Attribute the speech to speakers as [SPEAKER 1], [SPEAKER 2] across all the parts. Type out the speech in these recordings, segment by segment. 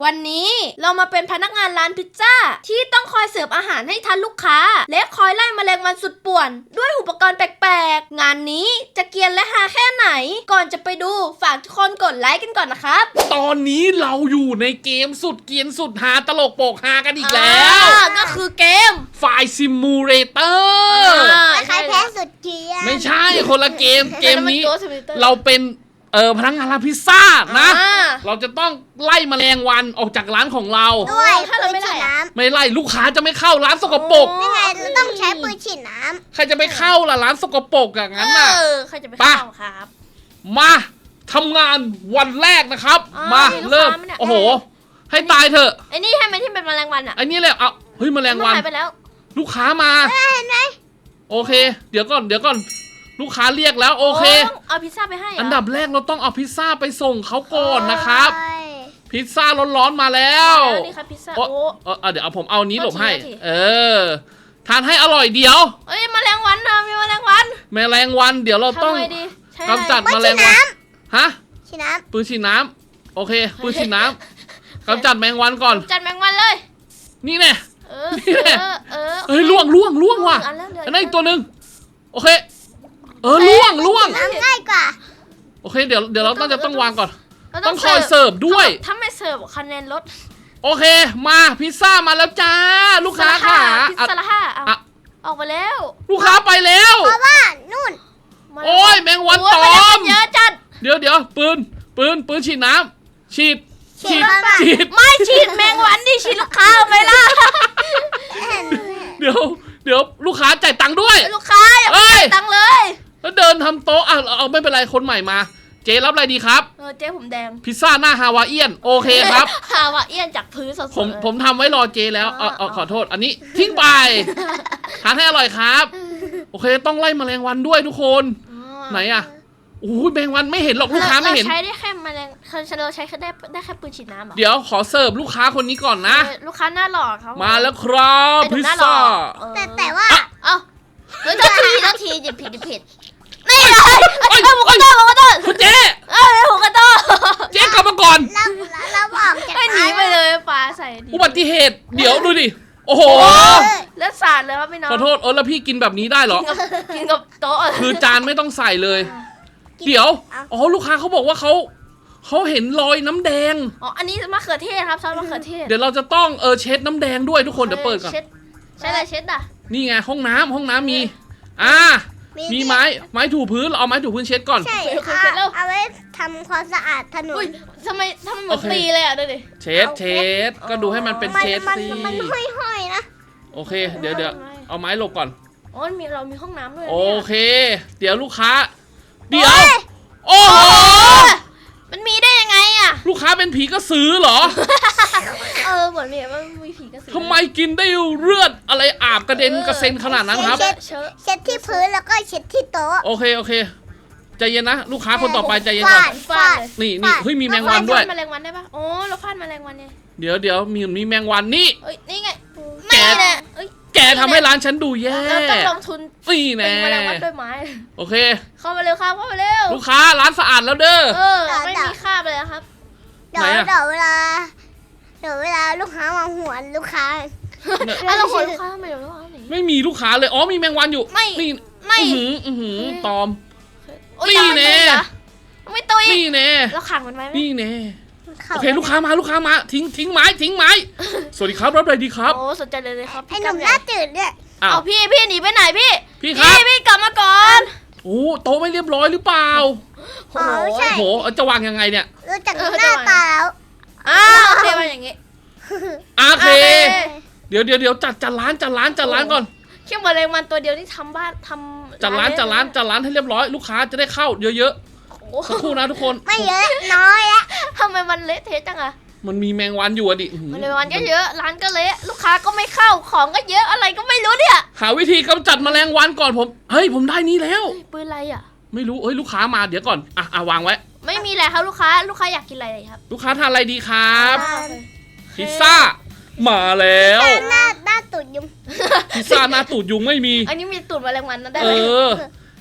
[SPEAKER 1] วันนี้เรามาเป็นพนักงานร้านพิซซ่าที่ต้องคอยเสิร์ฟอาหารให้ทันลูกค้าและคอยไล่แมลงวันสุดป่วนด้วยอุปกรณ์แปลกๆงานนี้จะเกรียนและฮาแค่ไหนก่อนจะไปดูฝากทุกคนกดไลค์กันก่อนนะครับ
[SPEAKER 2] ตอนนี้เราอยู่ในเกมสุดเกรียนสุดฮาตลกโปกฮากันอีกแล้ว
[SPEAKER 1] ก็คือเกม
[SPEAKER 2] ไฟซิมูเลเตอร์
[SPEAKER 3] ใครแพ้สุดเกรียน
[SPEAKER 2] ไม่ใช่คนละเกมนี้เราเป็นพนักงานร้านพิซซ่านะเราจะต้องไล่แมลงวันออกจากร้านของเรา
[SPEAKER 3] ด้วยถ้าเราไม่ไล่
[SPEAKER 2] ไม่ไล่ลูกค้าจะไม่เข้าร้านสกปรก
[SPEAKER 3] นี่ไงเราต้องใช้ปืนฉีดน้
[SPEAKER 2] ำใครจะไปเข้าล่ะร้านสกปรกอย่างนั้นน่ะ
[SPEAKER 1] ใครจะไปเข้าครับ
[SPEAKER 2] มาทำงานวันแรกนะครับมาเริ่มโอ้โหให้ตายเถอะ
[SPEAKER 1] ไอ้นี่ให้มันที่เป็นแมลงวันอ่ะ
[SPEAKER 2] ไอ้นี่แหละเอาเฮ้ยแมลงวัน
[SPEAKER 1] หายไปแล้ว
[SPEAKER 2] ลูกค้ามา
[SPEAKER 3] เห็นไหม
[SPEAKER 2] โอเคเดี๋ยวก่อนลูกค้าเรียกแล้วโอเค
[SPEAKER 1] เอาพิซซ่าไปให้
[SPEAKER 2] อันดับแรกเราต้องเอาพิซซ่าไปส่งเขาก่อนนะครับพิซซ่าร้อนๆมาแล้ว
[SPEAKER 1] นี่ครับพิซซ่า
[SPEAKER 2] เดี๋ยวผมเอานี้หลบให้ทานให้อร่อยเดี๋ยว
[SPEAKER 1] แมลงวันนะมีแมลงวัน
[SPEAKER 2] เดี๋ยวเราต้องกำจัดแมลงวันฮะ
[SPEAKER 3] ฉีดน้ำ
[SPEAKER 2] ปืนฉีดน้ำโอเคปืนฉีดน้ำกำจัดแมลงวันก่อน
[SPEAKER 1] จัดแมลงวันเลย
[SPEAKER 2] นี่แน่นี่แน่เฮ้ยล่วงว่ะอันนั้นอีกตัวหนึ่งโอเคล่วง
[SPEAKER 3] ง่ายกว่า
[SPEAKER 2] โอเคเดี๋ยวเราต้องวางก่อนต้องคอยเสิร์ฟด้วย
[SPEAKER 1] ถ้าไม่เสิร์ฟคะแนนลด
[SPEAKER 2] โอเคมาพิซซ่ามาแล้วจ้าลูกค้าค่ะ
[SPEAKER 1] พิซซ่าละ5ออกไปแล้ว
[SPEAKER 2] ลูกค้าไปแล้ว
[SPEAKER 3] เพราะว่านู่น
[SPEAKER 2] โอ้ยแมงวันตอม
[SPEAKER 1] เยอะจัด
[SPEAKER 2] เดี๋ยวปืนฉีดน้ำฉีด
[SPEAKER 1] ไม่ฉีดแมงวันดิฉีดลูกค้าไปล่ะ
[SPEAKER 2] เดี๋ยวลูกค้าจ่ายตังค์ด้วย
[SPEAKER 1] ลูกค้าอย่าจ่ายตังค์เลย
[SPEAKER 2] แล้วเดินทำโต๊ะเอาไม่เป็นไรคนใหม่มาเจ๊รับอะไรดีครับ
[SPEAKER 1] เจ๊ผมแดง
[SPEAKER 2] พิซซ่าหน้าฮาวาเอียนโอเคครับ
[SPEAKER 1] ฮาวาเอียนจากพื้นสด
[SPEAKER 2] ๆผมทำไว้รอเจ๊แล้วขอโทษอันนี้ทิ้งไปทานให้อร่อยครับโอเคต้องไล่แมลงวันด้วยทุกคนไหนอะโอ้ยแมลงวันไม่เห็นหรอกลูกค้าไม่เห็น
[SPEAKER 1] ใช้ได้แค่แมลงเราใช้ได้แค่ปืนฉีดน้ำ
[SPEAKER 2] เดี๋ยวขอเสิร์ฟลูกค้าคนนี้ก่อนนะ
[SPEAKER 1] ลูกค้าหน้าหล่อเขา
[SPEAKER 2] มาแล้วครับพิซซ่า
[SPEAKER 3] แต่ว่า
[SPEAKER 1] ต้องทีหยิบผิดนี่เลยหมูกระโดด
[SPEAKER 2] คุณเจ๊
[SPEAKER 1] หมูกระโดด
[SPEAKER 2] เจ๊กลับมาก่อน
[SPEAKER 3] เราบอกจาก
[SPEAKER 1] หนีไปเลยปลาใส่
[SPEAKER 2] อุบัติเหตุเดี๋ยวดูดิโอ้โห
[SPEAKER 1] แล้วสาดเลยครับพี่น้อง
[SPEAKER 2] ขอโทษแล้วพี่กินแบบนี้ได้เหรอ
[SPEAKER 1] กินกับโต๊ะ
[SPEAKER 2] คือจานไม่ต้องใส่เลยเดี๋ยวลูกค้าเขาบอกว่าเขาเห็นรอยน้ำแดง
[SPEAKER 1] อันนี้มะเขือเทศครับซอสมะเขือเทศ
[SPEAKER 2] เดี๋ยวเราจะต้องเช็ดน้ำแดงด้วยทุกคนเดี๋ยวเปิดก่อน
[SPEAKER 1] ใช่อะไรเช็ดอ่ะ
[SPEAKER 2] นี่ไงห้องน้ำมีมีไม้ถูพื้นเอาไม้ถูพื้นเช็ดก่อน
[SPEAKER 3] ใช่เอาไว้ทำความสะอาดถนน
[SPEAKER 1] ทำไมเหมือนตีเลยอ่ะดูดิ
[SPEAKER 2] เช็ดก็ดูให้มันเป็นเช็ดสิ
[SPEAKER 3] มันห้อยๆนะ
[SPEAKER 2] โอเคเดี๋ยวเอาไม้หลบก่อน
[SPEAKER 1] เรามีห้องน้ำด้วย
[SPEAKER 2] โอเคเดี๋ยวลูกค้าเดี๋ยวโอ้โห
[SPEAKER 1] มันมีได้ยังไงอ่ะ
[SPEAKER 2] ลูกค้าเป็นผีกระสือเหรอ
[SPEAKER 1] เหมือนมีผีกระสือ
[SPEAKER 2] ทำไมกินได้เลือดอะไรอาบกระเด็นกระเซ็นขนาดนั้นครับ
[SPEAKER 3] เช็ดที่พื้นแล้วก็เช็ดที่โต๊ะ
[SPEAKER 2] โอเคใจเย็นนะลูกค้าคนต่อไปใจเย็นก่อนนี่เฮ้ยมีแมงวันด้วย
[SPEAKER 1] แมลงวันได้ปะเราฟาดแมลงวันไง
[SPEAKER 2] เดี๋ยวมีแมงวัน
[SPEAKER 1] นี่ไง
[SPEAKER 2] แกทำให้ร้านฉันดูแย่
[SPEAKER 1] เราต้องลงทุน
[SPEAKER 2] นี่แน่
[SPEAKER 1] แมลงวันด้วยไม้
[SPEAKER 2] โอเค
[SPEAKER 1] เข้ามาเร็วครับเข้ามาเร็ว
[SPEAKER 2] ลูกค้าร้านสะอาดแล้วเด้อ
[SPEAKER 1] ไม่มีคราบเลยครับ
[SPEAKER 3] เดี๋ยวเวลาลูกค้าวางหัวลูกค้า
[SPEAKER 1] เราขอลูกค้าทำไมลูกค้า
[SPEAKER 2] ไม่มีลูกค้าเลยมีแมงวันอยู่
[SPEAKER 1] ไม่
[SPEAKER 2] ตอมนี่แน่
[SPEAKER 1] ไม่ตุย
[SPEAKER 2] นี่แน่
[SPEAKER 1] เราขังมันไว้
[SPEAKER 2] นี่แน่โอเคลูกค้ามาทิ้งไม้สวัสดีครับรับอะไรดีครับ
[SPEAKER 1] สนใจเลยครับ
[SPEAKER 3] ไอ้หนุ่มหน้าตื่นเนี่ย
[SPEAKER 1] เอาพี่หนีไปไหน
[SPEAKER 2] พี่ครับ
[SPEAKER 1] พี่กลับมาก่อน
[SPEAKER 2] โต๊ะไม่เรียบร้อยหรือเปล่า
[SPEAKER 3] โอ้โห
[SPEAKER 2] จะวางยังไงเนี่ย
[SPEAKER 3] รู้จักหน้าตาแล้ว
[SPEAKER 1] โอเคมาอย่างงี้
[SPEAKER 2] โอเคเดี๋ยวจัดร้านก่อน
[SPEAKER 1] เชี่ยแมลงวันตัวเดียวที่ทำบ้านทำ
[SPEAKER 2] จัดร้านให้เรียบร้อยลูกค้าจะได้เข้าเยอะๆสักครู่นะทุกคน
[SPEAKER 3] ไม่เยอะน้อยอะ
[SPEAKER 1] ทำไมมันเละเทะจังอะ
[SPEAKER 2] มันมีแมงวันอยู่ดิ
[SPEAKER 1] แมลงวันก็เยอะร้านก็เละลูกค้าก็ไม่เข้าของก็เยอะอะไรก็ไม่รู้เนี่ย
[SPEAKER 2] หาวิธีกำจัดแมลงวันก่อนผมได้นี้แล้ว
[SPEAKER 1] ปืนอะไรอะ
[SPEAKER 2] ไม่รู้ลูกค้ามาเดี๋ยวก่อนวางไว้
[SPEAKER 1] ไม่มีอะไรครับลูกค้าอยากกินอะไรครับ
[SPEAKER 2] ลูกค้าทานอะไรดีครับพิซซ่ามาแล้ว
[SPEAKER 3] หน้าตูดยุง
[SPEAKER 2] พิซซ่าหน้าตูดยุงไม่มี
[SPEAKER 1] อันนี้มีตูดแมลงวันนะได้ไหม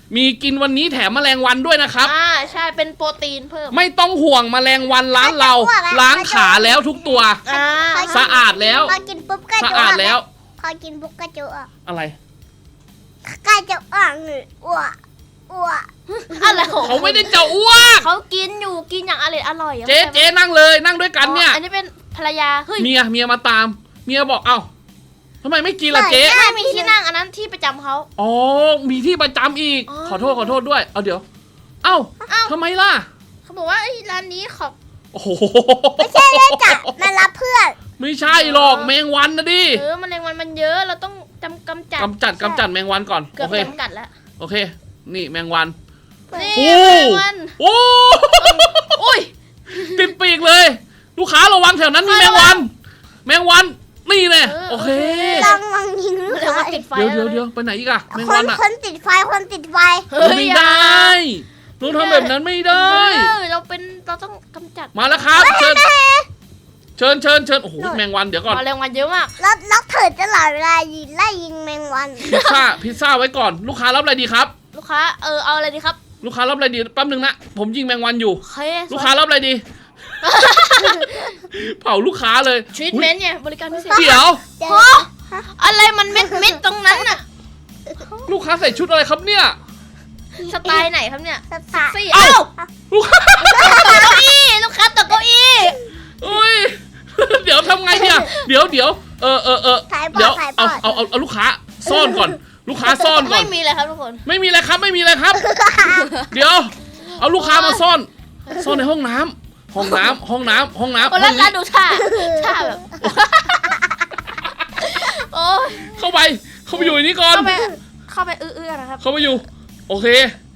[SPEAKER 2] มีกินวันนี้แถมแมลงวันด้วยนะครับ
[SPEAKER 1] ใช่เป็นโปรตีนเพิ่ม
[SPEAKER 2] ไม่ต้องห่วงแมลงวันร้านเราล้างขาแล้วทุกตัว สะอาดแล้ว
[SPEAKER 3] พอกินปุ๊บก็
[SPEAKER 2] สะ
[SPEAKER 3] จะ
[SPEAKER 2] อาดแล้ว
[SPEAKER 3] พอกินปุ๊บก็จะอ้วก
[SPEAKER 2] อะไร
[SPEAKER 3] ก็จะอ้วกเลยอ้วกอ้วก
[SPEAKER 1] อะไรของ
[SPEAKER 2] เขาไม่ได้จะอ้วก
[SPEAKER 1] เขากินอยู่กินอย่างอร่อย
[SPEAKER 2] เจ๊นั่งเลยนั่งด้วยกันเนี่ย
[SPEAKER 1] อันนี้เป็นภรรยาเฮ้ย
[SPEAKER 2] เมียมาตาม เมียบอกเอ้าทำไมไม่กินล่ะเจ๊
[SPEAKER 1] ไม่มีที่นั่งอันนั้นที่ประจำเขา
[SPEAKER 2] อ๋อมีที่ประจำอีก
[SPEAKER 1] อ๋อ
[SPEAKER 2] ขอโทษด้วยเอาเดี๋ยว เอ้าทำไมล่ะ
[SPEAKER 1] เขาบอกว่าร้านนี้ขอบ
[SPEAKER 2] โอ้โห
[SPEAKER 3] ไม่ใช่เลยจ้ะมารับเพื่อน
[SPEAKER 2] ไม่ใช่หรอกแมงวันนะดิ
[SPEAKER 1] แมลงวันมันเยอะเราต้องกำจัด
[SPEAKER 2] กำจัดแมงวันก่อน
[SPEAKER 1] เกือ
[SPEAKER 2] โอบ เค
[SPEAKER 1] จำกัดแล้ว
[SPEAKER 2] โอเค นี่แมงวัน
[SPEAKER 1] นี่
[SPEAKER 2] โอ้
[SPEAKER 1] แมลงวัน
[SPEAKER 2] โอ้
[SPEAKER 1] อุ้ย
[SPEAKER 2] ติดปีกเลย ลูกค้าระวังแถวนั้นมีแมงวัน แมงวันนี่แน่โอเค
[SPEAKER 3] ลองยิงลูก
[SPEAKER 1] แมลงวัน
[SPEAKER 3] ค้า
[SPEAKER 1] ติดไฟ
[SPEAKER 2] เดี๋ยวไปไหนอีกอะแมง
[SPEAKER 3] ค
[SPEAKER 2] วัน
[SPEAKER 3] น
[SPEAKER 2] อะ
[SPEAKER 3] คนติดไฟคนติดไฟ
[SPEAKER 1] เฮ้ย
[SPEAKER 2] ไม่ได้หนูทำแบบนั้นไม่ได้
[SPEAKER 1] เราต้องกำจัด
[SPEAKER 2] มาแล้วครับเชิญโอ้โหแมงวันเดี๋ยวก่อน
[SPEAKER 1] แมลงวันเยอะมาก
[SPEAKER 3] แล้วเถิดตลอดเวลายิงไล่ยิงแมงวัน
[SPEAKER 2] พิซซ่าไว้ก่อนลูกค้ารับอะไรดีครับ
[SPEAKER 1] ลูกค้าเอาอะไรดีครับ
[SPEAKER 2] ลูกค้ารับอะไรดีแป๊บนึงนะผมยิงแมงวันอยู่
[SPEAKER 1] โอเค
[SPEAKER 2] ลูกค้ารับอะไรดี เผาลูกค้าเลย
[SPEAKER 1] ทรีทเมนต์เนี่ยบริการพิเศษ
[SPEAKER 2] เดี๋ยว
[SPEAKER 1] โอ้อะไรมันเม็ดตรงนั้นน่ะ
[SPEAKER 2] ลูกค้าใส่ชุดอะไรครับเนี่ย
[SPEAKER 1] สไตล์ไหนครับเนี่ย
[SPEAKER 3] สตาร์
[SPEAKER 1] ซี่
[SPEAKER 2] เอ้า
[SPEAKER 1] เอ้า
[SPEAKER 2] ลูกค้า
[SPEAKER 1] เก้าอี้ลูกค้าตกเก้าอี้
[SPEAKER 2] โอ้ย เดี๋ยวทำไงเนี่ยเดี๋ยว
[SPEAKER 3] ขายบอ
[SPEAKER 2] เดี๋ยว
[SPEAKER 3] ดขายบ
[SPEAKER 2] เอา
[SPEAKER 3] อด
[SPEAKER 2] เอาลูกค้าซ่อนก่อน ลูกค้าซ่อนก่อ
[SPEAKER 1] ไม่
[SPEAKER 2] น
[SPEAKER 1] มีเลยครับทุกคน
[SPEAKER 2] ไม่มีอะไรครับ เดี๋ยว เอาลูกค้ามาซ่อนในห้องน้ำห้องน้ำ
[SPEAKER 1] คน
[SPEAKER 2] ห้
[SPEAKER 1] ละ
[SPEAKER 2] อง
[SPEAKER 1] ร้าน
[SPEAKER 2] นี้
[SPEAKER 1] ดูท่าแบบโอ้ย
[SPEAKER 2] เข้าไปอยู่ในนี้ก่อน
[SPEAKER 1] เข้าไปอื้อๆนะครับ
[SPEAKER 2] เข้าไปอยู่ โอเค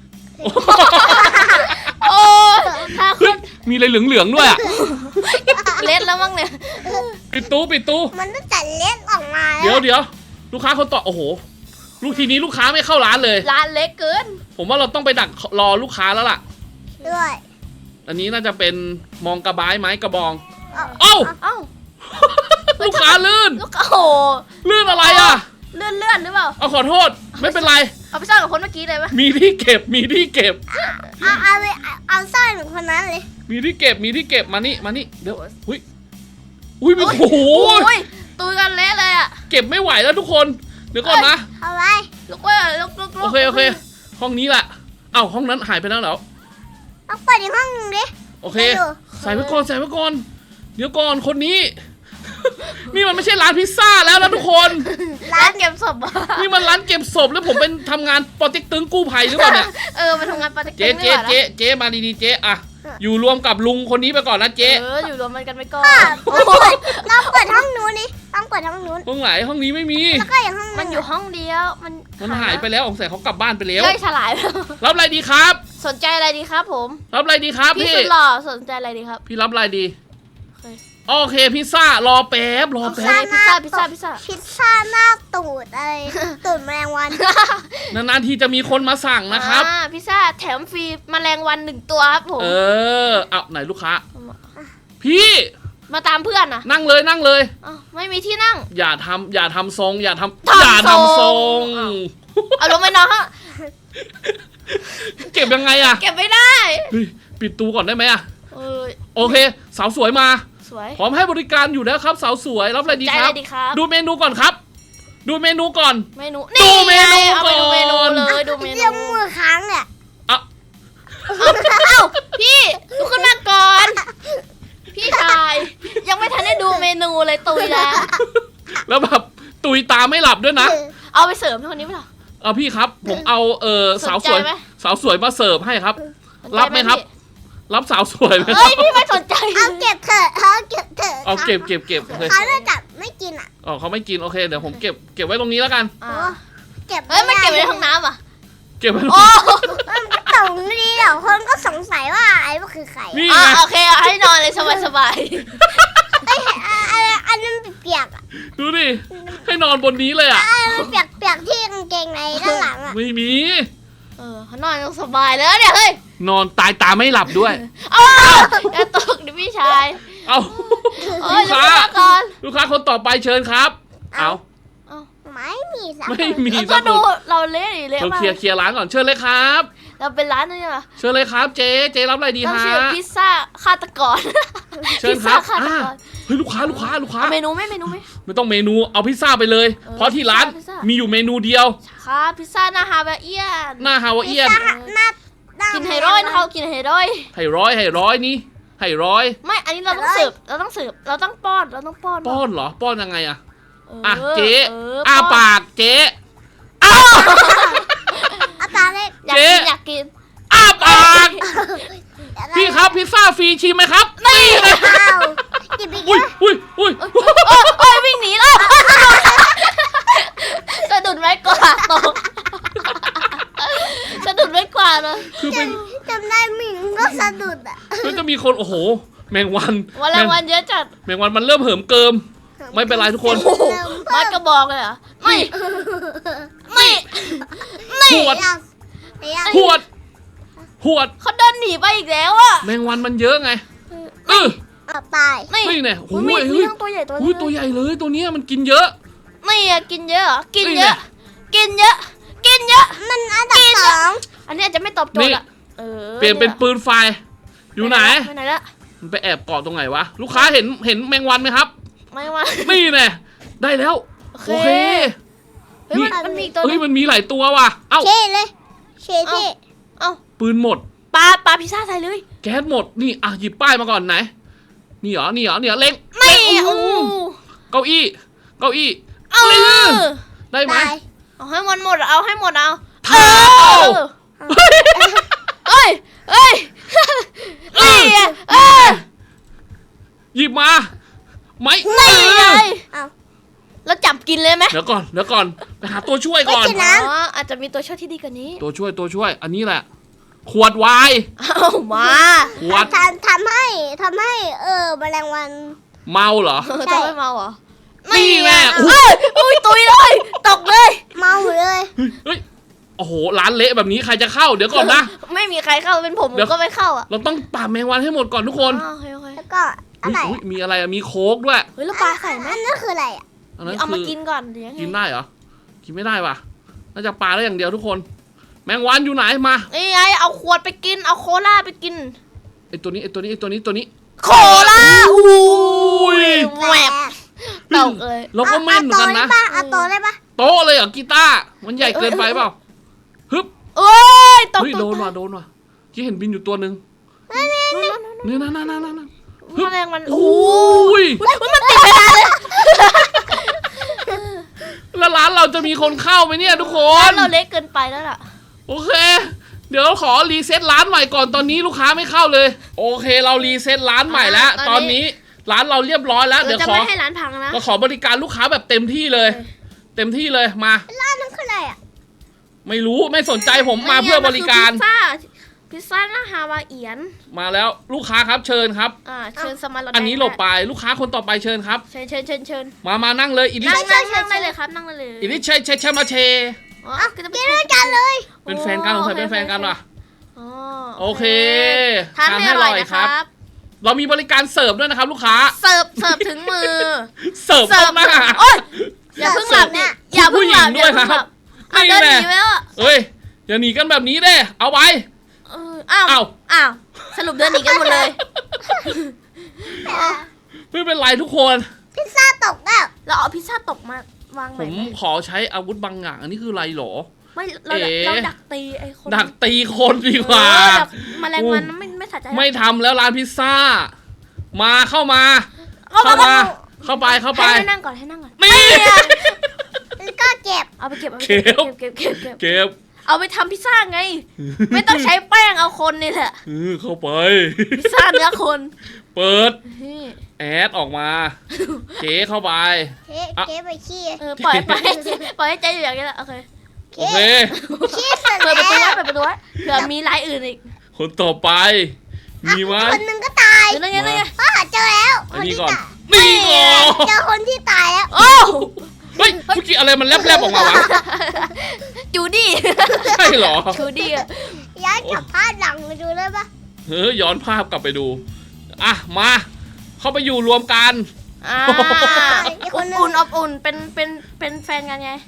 [SPEAKER 1] โอ้ยท่าค
[SPEAKER 2] เฮ้ย
[SPEAKER 1] น
[SPEAKER 2] มีอะไรเหลืองๆด้วยอ่ะ
[SPEAKER 1] เล็ดแล้วมั้งเนี่ย
[SPEAKER 2] ปิดตู้
[SPEAKER 3] มันต้องจัดเล็กออกมา
[SPEAKER 2] เดี๋ยวลูกค้าคนต่อโอ้โหทีนี้ลูกค้าไม่เข้าร้านเลย
[SPEAKER 1] ร้านเล็กเกิน
[SPEAKER 2] ผมว่าเราต้องไปดักรอลูกค้าแล้วล่ะ
[SPEAKER 3] ด้วย
[SPEAKER 2] อันนี้น่าจะเป็นมองกระบายไม้กระบอง
[SPEAKER 3] เอา
[SPEAKER 2] เอ้า
[SPEAKER 1] เอ้า
[SPEAKER 2] ลูกค้าลื่น
[SPEAKER 1] ลูกโอ้โห
[SPEAKER 2] ลื่นอะไรอ่ะ
[SPEAKER 1] เลื่อนหรือเปล่า
[SPEAKER 2] เอาขอโทษ ไม่เป็นไร
[SPEAKER 1] เอาไปซ่อนกับคนเมื่อกี้เลยปะ
[SPEAKER 2] มีที่เก็บ
[SPEAKER 3] เอาสร้อยเหมือนคนนั้นเลย
[SPEAKER 2] มีที่เก็บมานี่เดี๋ยวอุ้ยโอ้โห
[SPEAKER 1] โอ้ยตุยกันเละเลยอ่ะ
[SPEAKER 2] เก็บไม่ไหวแล้วทุกคน เดี๋ยวก่อนนะ
[SPEAKER 3] เอาไว้
[SPEAKER 1] ลูกเว้ยลูก
[SPEAKER 2] โอเค ห้องนี้แหละเอ้าห้องนั้นหายไปแล้วเหรอ
[SPEAKER 3] เอาเปิดอีกห้องหนึงดิ
[SPEAKER 2] โอเค ใส่ไว้ก่อน เดี๋ยวก่อนคนนี้ นี่มันไม่ใช่ร้านพิซซ่าแล้วนะทุกคน
[SPEAKER 1] ร้านเก็บศพอะ
[SPEAKER 2] นี่มันร้านเก็บศพแล้วผมเป็นทำงานปอเต็กตึงกู้ภัยหรือเปล่าเนี่ย
[SPEAKER 1] มาทำงานปาร์ตี้
[SPEAKER 2] เจ๊มาดีๆเจ๊อะอยู่รวมกับลุงคนนี้ไปก่อนนะเจ๊
[SPEAKER 1] อยู่รวมกันไปก่อน
[SPEAKER 3] เราเปิดห้องนู้นดิต้องเปิดห้องนู้น
[SPEAKER 2] ห้องไหนห้องนี้ไม่มี
[SPEAKER 3] แล้วก็อย่างห้อง
[SPEAKER 1] มันอยู่ห้องเดียวมัน
[SPEAKER 2] หายไปแล้วสงสัยเขากลับบ้านไปแล้ว
[SPEAKER 1] ย่อยฉลายแล้ว
[SPEAKER 2] รับอะไรดีครับ
[SPEAKER 1] สนใจอะไรดีครับผม
[SPEAKER 2] รับอะไรดีครับ
[SPEAKER 1] พี่
[SPEAKER 2] พี่
[SPEAKER 1] สุดหล่อสนใจอะไรดีครับ
[SPEAKER 2] พี่รับอะไรดี
[SPEAKER 1] เคย
[SPEAKER 2] โอเคพิซซ่ารอแป๊บ
[SPEAKER 1] พิซซ่า
[SPEAKER 3] พิซซ่าหน้าตูดอะไรตูดแมลงวัน
[SPEAKER 2] นานๆทีจะมีคนมาสั่งนะครับ
[SPEAKER 1] พิซซ่าแถมฟรีแมลงวัน1 ตัวครับผม
[SPEAKER 2] เอาไหนลูกค้า พี่
[SPEAKER 1] มาตามเพื่อนนะ
[SPEAKER 2] นั่งเลย
[SPEAKER 1] ไม่มีที่นั่ง
[SPEAKER 2] อย่าทำทรงอย่าทำ
[SPEAKER 1] ทำ
[SPEAKER 2] อย่าทำทรง
[SPEAKER 1] เอาลงไปนอนฮะ
[SPEAKER 2] เก็บยังไงอะ
[SPEAKER 1] เก็บไม่ได้
[SPEAKER 2] เฮ้ยปิดตู้ก่อนได้ไหมอะ
[SPEAKER 1] เออ
[SPEAKER 2] โอเคสาวสวยมา
[SPEAKER 1] สวย
[SPEAKER 2] พร้อมให้บริการอยู่แล้วครับสาวสวยรับอะไรดี
[SPEAKER 1] ใจ
[SPEAKER 2] ค
[SPEAKER 1] อะ
[SPEAKER 2] รั
[SPEAKER 1] ไร
[SPEAKER 2] บ
[SPEAKER 1] ดีครับ
[SPEAKER 2] ดูเมนูก่อนครับ ดูเมนูก่อน
[SPEAKER 1] เมนู
[SPEAKER 2] ดูเมนู
[SPEAKER 1] เอาไปดูเมนู
[SPEAKER 2] ก่อน
[SPEAKER 1] เลยดูเมนู
[SPEAKER 3] เรียกมือค้างเนี่ย
[SPEAKER 2] เอา
[SPEAKER 1] เอ้าพี่ลุกขึ้นมาก่อน พี่ชายยังไม่ทันได้ดูเมนูเลยตุยแล้ว
[SPEAKER 2] แล้วแบบตุยตาไม่หลับด้วยนะ
[SPEAKER 1] เอาไปเสริมให้คนนี้ไหมล่ะ
[SPEAKER 2] เอาพี่ครับ ผมเอาสาวสวย
[SPEAKER 1] สนใจไหม
[SPEAKER 2] สาวสวยมาเสิร์ฟให้ครับ รับไหมครับ รับสาวสวยไหมค
[SPEAKER 1] เฮ้
[SPEAKER 2] รั
[SPEAKER 1] ย
[SPEAKER 2] บ
[SPEAKER 1] พี่ไม่สนใจ
[SPEAKER 3] เอาเก็บเถอะเอาเก็บเถอะ
[SPEAKER 2] เอาเก็บโอเค
[SPEAKER 3] เขาจะจับไม่กินอ่ะ
[SPEAKER 2] อ๋อเขาไม่กินโอเคเดี๋ยวผมเก็บไว้ตรงนี้แล้วกัน
[SPEAKER 1] อ่า
[SPEAKER 3] เก็บ
[SPEAKER 1] เฮ้ยมันเก็บไว้ในห้องน้ำอ่ะ
[SPEAKER 2] เก็บไว้ตรง
[SPEAKER 1] โอ้
[SPEAKER 2] นี้
[SPEAKER 3] ตรงนี้เดี๋ยวคนก็สงสัยว่าไอ้ว่าคือใคร
[SPEAKER 2] นี่
[SPEAKER 1] อ่ะ
[SPEAKER 2] ไง
[SPEAKER 1] โอเคเอาให้นอนเลยสบาย
[SPEAKER 3] อันนั้นเปียกอ่ะ
[SPEAKER 2] ดูดิให้นอนบนนี้เลยอ่ะ
[SPEAKER 3] อันนั้นเปียกที่กางเกงในด้านหลังอ่ะ
[SPEAKER 2] ไม่มี
[SPEAKER 1] เขานอนยังสบายแล้วเนี่ยเฮ้ย
[SPEAKER 2] นอนตายตาไม่หลับด้วย
[SPEAKER 1] เอาอย่าตกดิพี่ชาย
[SPEAKER 2] เอา
[SPEAKER 1] เอ้
[SPEAKER 2] ลู
[SPEAKER 1] ย
[SPEAKER 2] ก
[SPEAKER 1] ลุก
[SPEAKER 2] ค้า
[SPEAKER 1] ขึ้นมาก่อน
[SPEAKER 2] ลูกค้าคนต่อไปเชิญครับ เอา
[SPEAKER 3] ไม่มีสัก
[SPEAKER 2] ไม่มี
[SPEAKER 1] แล้ว
[SPEAKER 2] สั
[SPEAKER 1] ก็
[SPEAKER 2] กค
[SPEAKER 1] ดู
[SPEAKER 2] น
[SPEAKER 1] เราเละดิเละ
[SPEAKER 2] เรา
[SPEAKER 1] มาก
[SPEAKER 2] เคลียร์ร้านก่อนเชิญเลยครับ
[SPEAKER 1] เราเป็นร้านนี่เหรอ
[SPEAKER 2] เชิญเลยครับเจ๊รับอะไรดี
[SPEAKER 1] ต้อง
[SPEAKER 2] ฮะ
[SPEAKER 1] ชื่อพิซซ่าฆาตกร
[SPEAKER 2] เชิญครับ
[SPEAKER 1] พิซซ่าฆาตกร
[SPEAKER 2] เฮ้ยลูกค้า
[SPEAKER 1] เอาเมนูไหมเมนูไหม
[SPEAKER 2] ไม่ต้องเมนูเอาพิซซ่าไปเลย เพราะที่ร้าน
[SPEAKER 1] พิซซ่า
[SPEAKER 2] มีอยู่เมนูเดียว
[SPEAKER 1] ครับพิซซ่าหน้าฮาวาเอียน
[SPEAKER 2] หน้าฮาวาเอียน
[SPEAKER 3] หน้า
[SPEAKER 1] กินไฮร้อยนะเขากินไฮร้อย
[SPEAKER 2] ให้ร้อยนี่ให้ร้อย
[SPEAKER 1] ไม่อันนี้เราต้องเสิร์ฟเราต้องป้อน
[SPEAKER 2] ป้อนเหรอป้อนยังไงอะ
[SPEAKER 1] เออ
[SPEAKER 2] อ่ะเจ๊
[SPEAKER 1] เอ
[SPEAKER 2] อ้า
[SPEAKER 1] ป้น
[SPEAKER 2] ปากเจ๊
[SPEAKER 3] อาตาเล็ก
[SPEAKER 1] อยากกิน
[SPEAKER 2] อ้าปากพี่ครับพิซซ่าฟรีชิมไหมครับนี่นะ
[SPEAKER 3] อ้าวจิบอีก
[SPEAKER 2] อุ้ย
[SPEAKER 3] แล้ว
[SPEAKER 2] อุ้ยอุ้ย
[SPEAKER 1] โอ้ยวิ่งหนีแล้วสะดุดไม้กวาดตกสะดุดไม้กวาดเลย
[SPEAKER 2] คือเป็น
[SPEAKER 3] จำได้หมิงก็สะดุดอ่ะ
[SPEAKER 2] คือจะมีคนโอ้โห แมงวัน
[SPEAKER 1] วันละวันเยอะจัด
[SPEAKER 2] แมงวันมันเริ่มเหิมเกิม ไม่เป็นไรทุกคน
[SPEAKER 1] โอ้โหไม้กระบอกเลยเหรอไม่ไม่
[SPEAKER 2] หวด
[SPEAKER 3] ยัง
[SPEAKER 2] หวดหวด
[SPEAKER 1] เขาเดินหนีไปอีกแล้วอะ
[SPEAKER 2] แมงวันมันเยอะไงเออ
[SPEAKER 3] เอาไป
[SPEAKER 1] นี่
[SPEAKER 2] นี่เนี่ยโอ้
[SPEAKER 1] มี
[SPEAKER 2] ย
[SPEAKER 1] มี
[SPEAKER 2] เฮ้ย
[SPEAKER 1] ทั้งตัวใหญ่ตัว
[SPEAKER 2] อุ้ยตัวใหญ่เลยตัวเนี้ยมันกินเยอะ
[SPEAKER 1] ไม่อะกินเยอะเหรอกิน
[SPEAKER 2] นี่
[SPEAKER 1] เย
[SPEAKER 2] ไง
[SPEAKER 1] อะ กินเยอะ กินเยอะ
[SPEAKER 3] มันอันดับสอง
[SPEAKER 1] อันนี้อาจจะไม่ตอบโจท
[SPEAKER 2] นี่
[SPEAKER 1] ย์อะออ
[SPEAKER 2] เปลี่ยนเป็นปืนไฟ อยู่ไหน
[SPEAKER 1] ไปไหนละ
[SPEAKER 2] มันไปแอบเกาะตรงไหนวะ ลูกค้าเห็นแมงวันไหมครับ
[SPEAKER 1] ไม่ว่า
[SPEAKER 2] นี่แน่ได้แล้ว
[SPEAKER 1] โอ
[SPEAKER 2] โอ
[SPEAKER 1] เค
[SPEAKER 2] เค
[SPEAKER 1] เฮ้ยมันมีอีกตัวห
[SPEAKER 2] เฮ้ย
[SPEAKER 1] นึง
[SPEAKER 2] มันมีหลายตัวว่ะ เอ้า
[SPEAKER 3] เช่เลยเช่ที่
[SPEAKER 1] เอ้า
[SPEAKER 2] ปืนหมด
[SPEAKER 1] ปลาพิซซ่าใส่เลย
[SPEAKER 2] แก๊สหมด นี่อ่ะหยิบป้ายมาก่อนไหน นี่เหรอเล็ง
[SPEAKER 1] ไม่
[SPEAKER 2] เล็ง
[SPEAKER 1] โอ้
[SPEAKER 2] เก้าอี้
[SPEAKER 1] เอา
[SPEAKER 2] เล็งได้ไหม
[SPEAKER 3] ตาย
[SPEAKER 1] เอาให้หมดเอาให้หมดเอา
[SPEAKER 2] เท้า
[SPEAKER 1] เอ้ยเอ้ยนี่ไงเออ
[SPEAKER 2] หยิบมาไม่
[SPEAKER 1] นี่ไง
[SPEAKER 3] เอา
[SPEAKER 1] แล้วจับกินเลยไหม
[SPEAKER 2] เดี๋ยวก่อนไปหาตัวช่วยก่อน
[SPEAKER 3] ไม่กินนะ
[SPEAKER 1] อ๋ออาจจะมีตัวช่วยที่ดีกว่านี้
[SPEAKER 2] ตัวช่วย อันนี้แหละ ขวดไวน์
[SPEAKER 1] เอามา
[SPEAKER 2] ขวด
[SPEAKER 3] ทำให้แมลงวัน
[SPEAKER 2] เมาเหรอ
[SPEAKER 1] จะไม่เมาเหรอ
[SPEAKER 2] นี่แน่
[SPEAKER 1] เอ้ยอุ้ยตุยเลยตกเลย
[SPEAKER 3] เมาเลย
[SPEAKER 2] เฮ้ย โอ้โห ร้านเละแบบนี้ใครจะเข้า เดี๋ยวก่อนนะ
[SPEAKER 1] ไม่มีใครเข้าเป็นผม
[SPEAKER 2] เดี๋ยว
[SPEAKER 1] ก็ไม่เข้าอ่ะ
[SPEAKER 2] เราต้องปราบแมงวันให้หมดก่อนทุกคน
[SPEAKER 1] อ๋อโอเคโอเค
[SPEAKER 3] แล้วก็อะไร
[SPEAKER 2] อุ๊ยมีอะไรอะมีโค้กด้วย
[SPEAKER 1] เฮ้ยแล้วปลาใส่ไหม
[SPEAKER 3] อันนั้นคืออะไรอ่ะ
[SPEAKER 2] อันนั้น
[SPEAKER 1] เอามา
[SPEAKER 2] คือ
[SPEAKER 1] กินก่อนเดี๋ยวยังไง
[SPEAKER 2] กินได้เหรอ กินไม่ได้ว่ะ น่าจะปลาได้อย่างเดียวทุกคน แมงวันอยู่ไหนมา
[SPEAKER 1] นี่ไงเอาขวดไปกินเอาโคลาไปกิน
[SPEAKER 2] ไอตัวนี้
[SPEAKER 1] โคลาอุ้ยแหวกตกเลย
[SPEAKER 2] เราก็แม่นเหมือนกันนะ
[SPEAKER 3] เอาโตได้ปะ
[SPEAKER 2] โต๊ะเลยเหรอกีตาร์มันใหญ่เกินไปเปล่าฮึบ
[SPEAKER 1] เอ้ยตก
[SPEAKER 2] เฮ้ยโดนว่ะที่เห็นบินอยู่ตัวหนึ่งนี่นั่น
[SPEAKER 1] แมลงมัน
[SPEAKER 2] โอ้ย
[SPEAKER 1] มันติดไปแล้วเลย
[SPEAKER 2] แล้วร้านเราจะมีคนเข้าไหมเนี่ยทุกคน
[SPEAKER 1] เราเล็กเกินไปแล้วล่ะ
[SPEAKER 2] โอเค เดี๋ยวขอรีเซ็ตร้านใหม่ก่อนตอนนี้ลูกค้าไม่เข้าเลย โอเคเรารีเซ็ตร้านใหม่แล้ว ตอนนี้ร้านเราเรียบร้อยแล้ว
[SPEAKER 1] เรา
[SPEAKER 2] เดี๋ยว
[SPEAKER 1] จะ
[SPEAKER 2] ขอ
[SPEAKER 1] ไม่ให้ร้านพังนะ
[SPEAKER 2] เราขอบริการลูกค้าแบบเต็มที่เลย เต็มที่เลยมา
[SPEAKER 3] ร้านนั้นคืออะไรอ่ะ
[SPEAKER 2] ไม่รู้ไม่สนใจผมมาเพื่อบริการ
[SPEAKER 1] พิซซ่าหน้าฮาวาเอียน
[SPEAKER 2] มาแล้วลูกค้าครับเชิญครับ
[SPEAKER 1] เชิญสมาร์ท
[SPEAKER 2] อันนี้หลบไปลูกค้าคนต่อไปเชิญครับ
[SPEAKER 1] เชิญ
[SPEAKER 2] มานั่งเลยอิลิ
[SPEAKER 1] นั่งได้เลยครับนั่งได้เลย
[SPEAKER 2] อิลิใช่มาเช
[SPEAKER 1] อ๋อก็จะ
[SPEAKER 3] กินด้วยกันเลย
[SPEAKER 2] เป็นแฟนกันของใครเป็นแฟนกันว่ะ
[SPEAKER 1] อ๋อ
[SPEAKER 2] โอเค
[SPEAKER 1] ทานให้อร่อยนะครับ
[SPEAKER 2] เรามีบริการเสิร์ฟด้วยนะครับ ลูกค้า
[SPEAKER 1] เสิร์ฟถึงมือ
[SPEAKER 2] เสิร์ฟเข้าหน้า
[SPEAKER 1] โอ๊ยอย่าเพิ่งหลับเนี่ยอย่าเพิ่งหลับ
[SPEAKER 2] ผู้หญิงด้วยครับ
[SPEAKER 1] เอาเดินหนีไปแล้ว
[SPEAKER 2] เอ้ยอย่าหนีกันแบบนี้เด้เอาไว้
[SPEAKER 1] อ้าวสรุปเดินหนีกันหมดเลย
[SPEAKER 2] ไม่เป็นไรทุกคน
[SPEAKER 3] พิซซ่าตกแล้ว
[SPEAKER 1] เราเอาพิซซ่าตกมาวางไห
[SPEAKER 2] ผ
[SPEAKER 1] น
[SPEAKER 2] มขอใช้อาวุธบางอย่างอันนี้คืออะไรหรอ
[SPEAKER 1] ไม่เราดักตีไอ้คน
[SPEAKER 2] ดักตีคนดีกว่า
[SPEAKER 1] แมลงวันไม่สะใจ
[SPEAKER 2] ไม่ทำแล้วร้านพิซซ่า มาเข้าไป
[SPEAKER 1] ให้นั่งก่อน
[SPEAKER 2] นี่
[SPEAKER 3] แล้วก็เก็บ
[SPEAKER 1] เอาไปเก็บ
[SPEAKER 2] เก็บ
[SPEAKER 1] เอาไปทำพิซซ่าไง ไม่ต้องใช้แป้งเอาคนนี่แหละ
[SPEAKER 2] เข้าไป
[SPEAKER 1] พิซซ่าเนื้อคน
[SPEAKER 2] เปิด
[SPEAKER 1] นี่
[SPEAKER 2] แอดออกมาเจ๊เข้าไป
[SPEAKER 3] เก็บไปขี้
[SPEAKER 1] ปล่อยให้ใจอยู่อย่างนี้แหละโอเค
[SPEAKER 2] โอเค
[SPEAKER 3] ขี้เสร็จ
[SPEAKER 1] เปิด
[SPEAKER 3] แล้
[SPEAKER 1] ประตู
[SPEAKER 3] ว
[SPEAKER 1] ไว้เผื่อมีรายอื่นอีก
[SPEAKER 2] คนต่อไป มีไหม
[SPEAKER 3] คนหนึ่งก็ตาย
[SPEAKER 1] เดี๋ยวนั่นไง
[SPEAKER 3] เจอแล้ว
[SPEAKER 2] อันนี้ก่อน
[SPEAKER 3] ตาย
[SPEAKER 2] นี่ก่อน
[SPEAKER 3] เจอคนที่ตายแล้ว
[SPEAKER 1] โอ้
[SPEAKER 2] เฮ้ยเมื่อกี้อะไรมันแลบๆออกมาวะ
[SPEAKER 1] จูดี้
[SPEAKER 2] ใช่เหรอ
[SPEAKER 1] จูดี้อะ
[SPEAKER 3] ย้ายจับผ้าหลังมาดูเลยปะ
[SPEAKER 2] ย้อนภาพกลับไปดู อ่ะ มา เข้าไปอยู่รวมกัน
[SPEAKER 1] อบอุ่นเป็นแฟนกันไง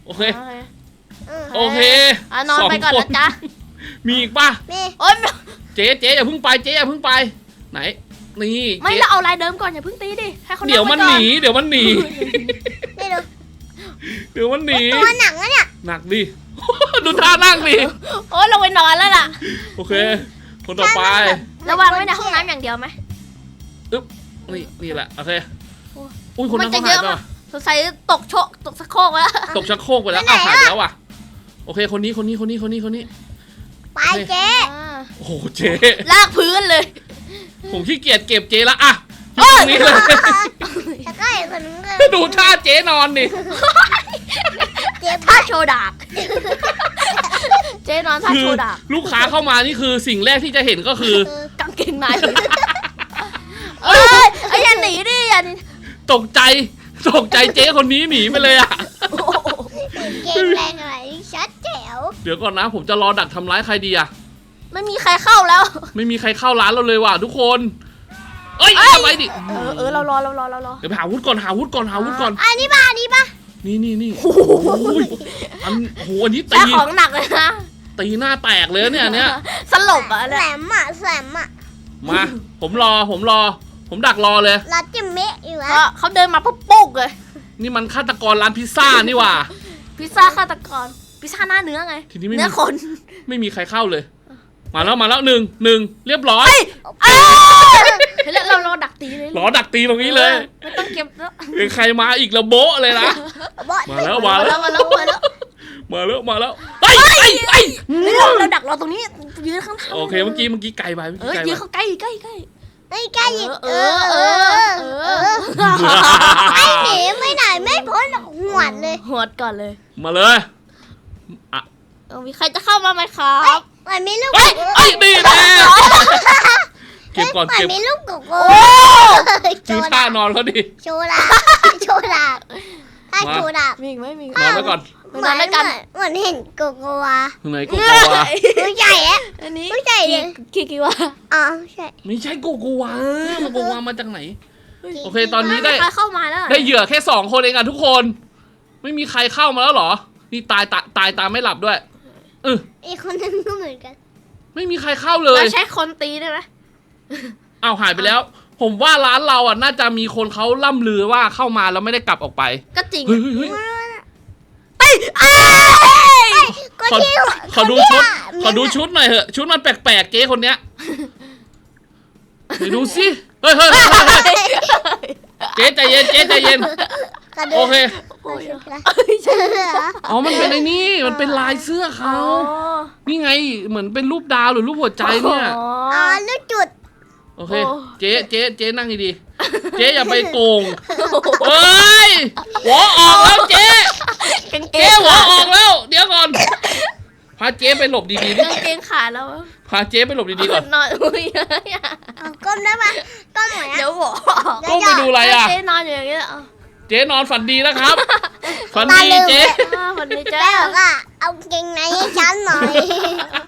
[SPEAKER 2] โอเค
[SPEAKER 3] เออ
[SPEAKER 2] โอเค
[SPEAKER 1] นอนไปก่อนนะจ๊ะ
[SPEAKER 2] มีอีกป่ะ
[SPEAKER 3] นี่
[SPEAKER 1] โอ๊ย
[SPEAKER 2] เจ๊อย่าเพิ่งไปเจ๊อย่าเพิ่งไป ไหน นี่
[SPEAKER 1] ไม่
[SPEAKER 2] เจ๊
[SPEAKER 1] เราเอาลายเดิมก่อนอย่าเพิ่งตีดิให้เขา
[SPEAKER 2] เดี๋ยวมันหนี เดี๋ยวมันหนี
[SPEAKER 3] นี่ดู
[SPEAKER 2] เดี๋ยวมันหนี
[SPEAKER 3] ตัวหนังอะเนี่ย
[SPEAKER 2] หนักดิ ดูท่านั่งดิ
[SPEAKER 1] โอ๊ยลงไปนอนแล้วล่ะ
[SPEAKER 2] โอเค คนต่อไป
[SPEAKER 1] ระวังไว้ในห้องน้ำอย่างเดียวไหม
[SPEAKER 2] นี่แหละ โอเค
[SPEAKER 1] โอ้
[SPEAKER 2] อุ้ยคนนั้น
[SPEAKER 1] มัน
[SPEAKER 2] เขา
[SPEAKER 1] จะ
[SPEAKER 2] หาย
[SPEAKER 1] เยอะ
[SPEAKER 2] ไป
[SPEAKER 1] มาก สงสัยตกสะโครกแล้ว
[SPEAKER 2] ตกชักโครกไปแล้วอ้าวหายไปแล้วว่ะ โอเค คนนี้
[SPEAKER 3] ไปเจ๊
[SPEAKER 2] โอ้โห เจ๊
[SPEAKER 1] ลากพื้นเลย
[SPEAKER 2] ผมขี้เกียจเก็บเจ๊ละอ่ะอยู่ตรงนี้เลย
[SPEAKER 3] แล้วก็อีกคนนึงก็
[SPEAKER 2] ดูท่าเจ๊นอนดิ
[SPEAKER 3] เจ๊
[SPEAKER 1] ท่าโชว์ดาบเจ๊นอนท่า
[SPEAKER 2] คื
[SPEAKER 1] โช
[SPEAKER 2] อ
[SPEAKER 1] ว์ดาบ
[SPEAKER 2] ลูกค้าเข้ามานี่คือสิ่งแรกที่จะเห็นก็คือ
[SPEAKER 1] กางเกงในเอ้ยอย่าหนีดิอย่าหนี
[SPEAKER 2] ตกใจเจ๊คนนี้หนีไปเลยอ่ะ
[SPEAKER 1] โอ้โห
[SPEAKER 3] เก่งแรงอะไรชัดแจ๋ว
[SPEAKER 2] เดี๋ยวก่อนนะ ผมจะรอดักทำร้ายใครดีอ่ะ
[SPEAKER 1] ไม่มีใครเข้าแล้ว
[SPEAKER 2] ไม่มีใครเข้าร้านเราเลยว่ะทุกคน เอ้ยทำไมดิ
[SPEAKER 1] เรารอ
[SPEAKER 2] เดี๋ยวไปหาวุธก่อน
[SPEAKER 3] อันนี้ป่ะ
[SPEAKER 2] นี่โอ้ยอันนี้
[SPEAKER 1] แต่ของหนักเลยนะ
[SPEAKER 2] ตีหน้าแตกเลยเนี่ยอันเนี้ย
[SPEAKER 1] สลบอ่ะ
[SPEAKER 3] แหล
[SPEAKER 1] เนี่ย
[SPEAKER 3] มอ่ะแหลมอ่ะ
[SPEAKER 2] มา ผมรอ ผมดักรอเลย
[SPEAKER 3] เราจิมเมะอยู่
[SPEAKER 1] เพ
[SPEAKER 3] แล้ว
[SPEAKER 1] ราะเขาเดินมาปุ๊บปุ๊กเลย
[SPEAKER 2] นี่มันฆาตกรร้านพิซซ่านี่ว่ะ
[SPEAKER 1] พิซซ่าฆาตกรพิซซ่าหน้าเนื้อไง
[SPEAKER 2] ทีนี้ไม่มี
[SPEAKER 1] เนื้อคน
[SPEAKER 2] ไม่มีใครเข้าเลย มาแล้วหนึ่งเรียบร้อย
[SPEAKER 1] เฮ้ยเราดักตีเลย
[SPEAKER 2] รอดักตีตรงนี้เลย
[SPEAKER 1] ไม่ต้องเก็บแล้ว
[SPEAKER 2] เองใครมาอีกระโบ๊ะเลยนะ มาแล้ว
[SPEAKER 1] มาแล้ว
[SPEAKER 2] เฮ้ย
[SPEAKER 1] เราดักรอตรงนี้ยืนข้างทาง
[SPEAKER 2] โอเคเมื่อกี้ไกลไป
[SPEAKER 1] ยืนเขาใกล้
[SPEAKER 3] ไม่ใกล้อีก
[SPEAKER 1] เออ
[SPEAKER 3] ไอ้หนีไม่ไหนไม่พ้นหวดเลย
[SPEAKER 1] หวดก่อนเลย
[SPEAKER 2] มาเลย
[SPEAKER 1] มีใครจะเข้ามาไหมครับ
[SPEAKER 3] มันมีลูก
[SPEAKER 2] เอ้ยนี่แน่เก็บก่อน
[SPEAKER 3] มันมีลูกโกโก้
[SPEAKER 2] ชื่อท่านอนเขาดิ
[SPEAKER 3] โชว์ดาบถ้าโชว์ดาบ
[SPEAKER 1] มีอีกไหมมี
[SPEAKER 2] นอนแล้วก่อน
[SPEAKER 1] นอนด้วยกัน
[SPEAKER 3] เหมือนเห็นโกโกวา
[SPEAKER 2] ข้างในโกโกวา
[SPEAKER 3] ตัวใหญ่อะ
[SPEAKER 1] อันนี้
[SPEAKER 3] ผู้ใหญ่เลย
[SPEAKER 1] กี่วะ
[SPEAKER 3] อ๋อใช่
[SPEAKER 2] ไม่ใช่โกโกวามันโกโกวามาจากไหน โอเคตอนนี้ได้
[SPEAKER 1] ใครเข้ามาแล้ว
[SPEAKER 2] ได้เหยื่อแค่2 คนเองอ่ะทุกคน ไม่มีใครเข้ามาแล้วเหรอ นี่ตายไม่หลับด้วย
[SPEAKER 3] อีกคนนึงก็เหมือนกัน
[SPEAKER 2] ไม่มีใครเข้าเลย
[SPEAKER 1] เราใช้คนตีได้ไหม
[SPEAKER 2] อ้าวหายไปแล้ว ผมว่าร้านเราอ่ะน่าจะมีคนเขาล่ำลือว่าเข้ามาแล้วไม่ได้กลับออกไป
[SPEAKER 1] ก็จริง
[SPEAKER 2] เฮ้ย
[SPEAKER 3] ก็
[SPEAKER 2] ขอ
[SPEAKER 3] ที่
[SPEAKER 2] ขอดูชุดหน่อยเหอะชุดมันแปลกๆเจ๊คนเนี้ยไปดูสิเฮ้ยเจ๊ใจเย็นโอเคอ๋อมันเป็นไอ้นี่มันเป็นลายเสื้อเขานี่ไงเหมือนเป็นรูปดาวหรือรูปหัวใจเนี่ย
[SPEAKER 3] อ๋อลูกจุด
[SPEAKER 2] โอเคเจ๊นั่งดีๆเจ๊อย่าไปโกงเฮ้ยหัวออกแล้วเจ๊หัวออกแล้วเดี๋ยวก่อนพาเจ๊ไปหลบดีๆดิ
[SPEAKER 1] กางเกงขาดแล้ว
[SPEAKER 2] พาเจ๊ไปหลบดีๆก่อน
[SPEAKER 1] นอนอุ้ย
[SPEAKER 3] ก้มได้ปะก้มหน่อยนะ
[SPEAKER 1] เดี๋ยวบอก
[SPEAKER 2] ก้มไปดูอะไรอ่ะ
[SPEAKER 1] เจ๊นอนอยู่อย่างเงี้ย
[SPEAKER 2] เจ๊นอนฝันดีนะครับ ฝันดีเจ๊
[SPEAKER 1] วันนี้
[SPEAKER 3] แม่
[SPEAKER 1] เจ๊
[SPEAKER 3] บอกว่าเอาเกงในให้ฉันหน่อย